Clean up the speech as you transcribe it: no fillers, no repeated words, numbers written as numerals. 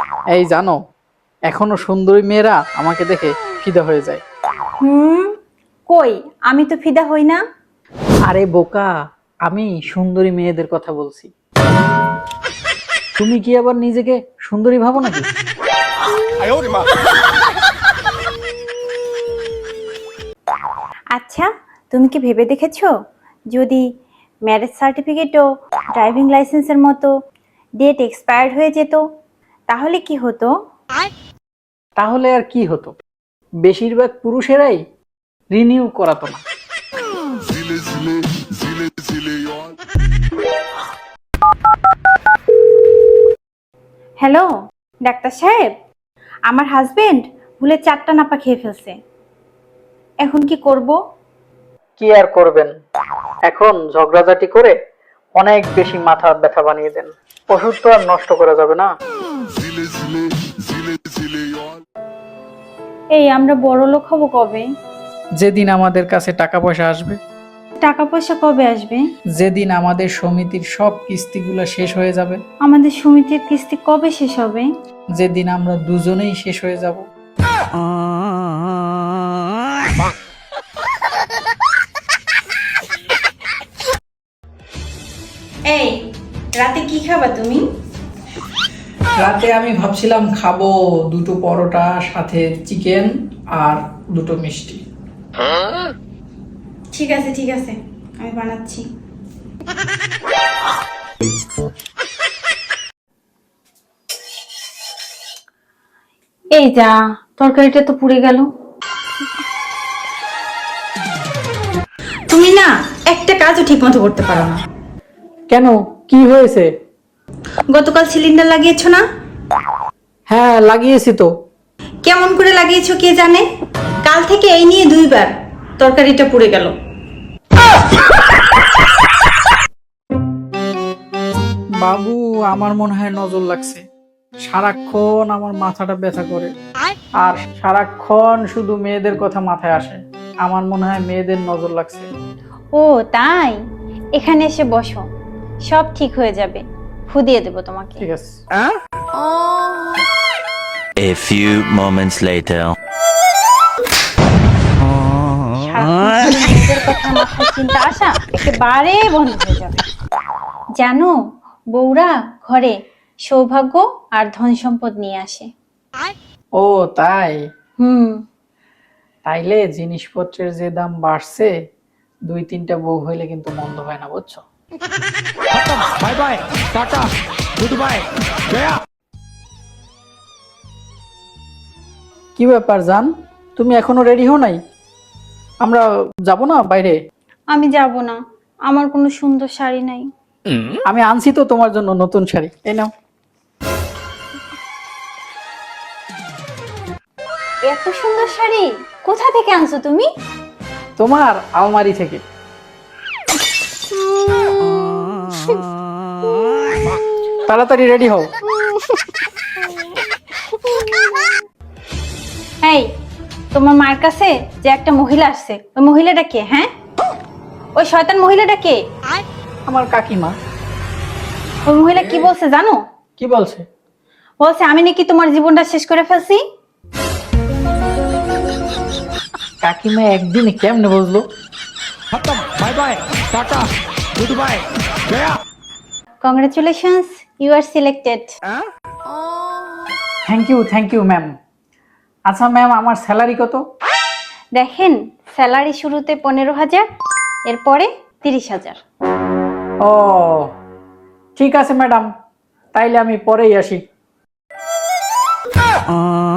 এই জানো, এখনো সুন্দরী মেয়েরা আমাকে দেখে ফিদা হয়ে যায়। কই, আমি তো ফিদা হই না। আরে বোকা, আমি সুন্দরী মেয়েদের কথা বলছি। তুমি কি আবার নিজেকে সুন্দরী ভাবো নাকি? আচ্ছা, তুমি কি ভেবে দেখেছো যদি ম্যারেজ সার্টিফিকেটও ড্রাইভিং লাইসেন্সের মতো ডেট এক্সপায়ার্ড হয়ে যেত, তাহলে কি হতো? তাহলে আর কি হতো, বেশিরভাগ পুরুষেরাই রিনিউ করাতো না। হ্যালো ডাক্তার সাহেব, আমার হাজবেন্ড ভুলে 4টা নাপা খেয়ে ফেলছে, এখন কি করব? কি আর করবেন, এখন ঝগড়াঝাটি করে অনেক বেশি মাথা ব্যথা বানিয়ে দেন। ওষুধ তো আর নষ্ট করা যাবে না। এই আমরা বড় লোক হব কবে? যেদিন আমাদের কাছে টাকা পয়সা আসবে, টাকা পয়সা কবে আসবে? যেদিন আমাদের সমিতির সব কিস্তিগুলো শেষ হয়ে যাবে, আমাদের সমিতির কিস্তি কবে শেষ হবে? যেদিন আমরা দুজনেই শেষ হয়ে যাব। এই রাতে কি খাবা তুমি? রাতে আমি ভাবছিলাম খাবো 2টো পরোটা, সাথে চিকেন আর 2টো মিষ্টি। ঠিক আছে ঠিক আছে, আমি বানাচ্ছি। এই যা, তরকারিটা তো পুড়ে গেল। তুমি না একটা কাজও ঠিক মতো করতে পারো না। কেন, কি হয়েছে? গতকাল সিলিন্ডার লাগিয়েছো না? হ্যাঁ লাগিয়েছি তো। কেমন করে লাগিয়েছো কে জানে, কাল থেকে এই নিয়ে 2বার তরকারিটা পুড়ে গেল। বাবু, আমার মনে হয় নজর লাগছে। সারাক্ষণ আমার মাথাটা ব্যথা করে, আর সারাক্ষণ শুধু মেয়েদের কথা মাথায় আসে। আমার মনে হয় মেয়েদের নজর লাগছে। ও তাই, এখানে এসে বসো, সব ঠিক হয়ে যাবে, ফু দিয়ে দেবো তোমাকে। ঠিক আছে। A few moments later. সারাক্ষণ শুধু নিজের কথা মাথায় চিন্তা আসা একেবারে বন্ধ হয়ে যাবে। জানো, বউরা ঘরে সৌভাগ্য আর ধন সম্পদ নিয়ে আসে। ও তাই? হুম। তাইলে জিনিসপত্রের যে দাম বাড়ছে, 2-3টা বউ হইলে কিন্তু মন্দ হয় না, বুঝছো? Bye bye, tata, good bye, গয়া। কি ব্যাপার জান, তুমি এখনো রেডি হও নাই? আমরা যাব না বাইরে? আমি যাব না, আমার কোনো সুন্দর শাড়ি নাই। আমি আনছি তো তোমার জন্য নতুন শাড়ি, এই নাও। এত সুন্দর শাড়ি কোথা থেকে আনছো তুমি? তোমার আলমারি থেকে। তাড়াতাড়ি রেডি হও। এই, তোমার মার কাছে যে একটা মহিলা আসছে, ওই মহিলাটা কে? হ্যাঁ, ওই শয়তান মহিলাটা কে? আমার কাকিমা। ওই মহিলা কি বলছে জানো? কি বলছে? বলছে আমি নাকি তোমার জীবনটা শেষ করে ফেলছি। কাকিমা একদিনে কেমনে বুঝলো? Bye bye, tata, good bye, গয়া। Congratulations, you are selected. Thank you ma'am. আচ্ছা ম্যাম, আমার স্যালারি কত? দেখেন, স্যালারি শুরুতে 15,000, এরপরে 30,000। ও ঠিক আছে ম্যাডাম, তাইলে আমি পরেই আসি।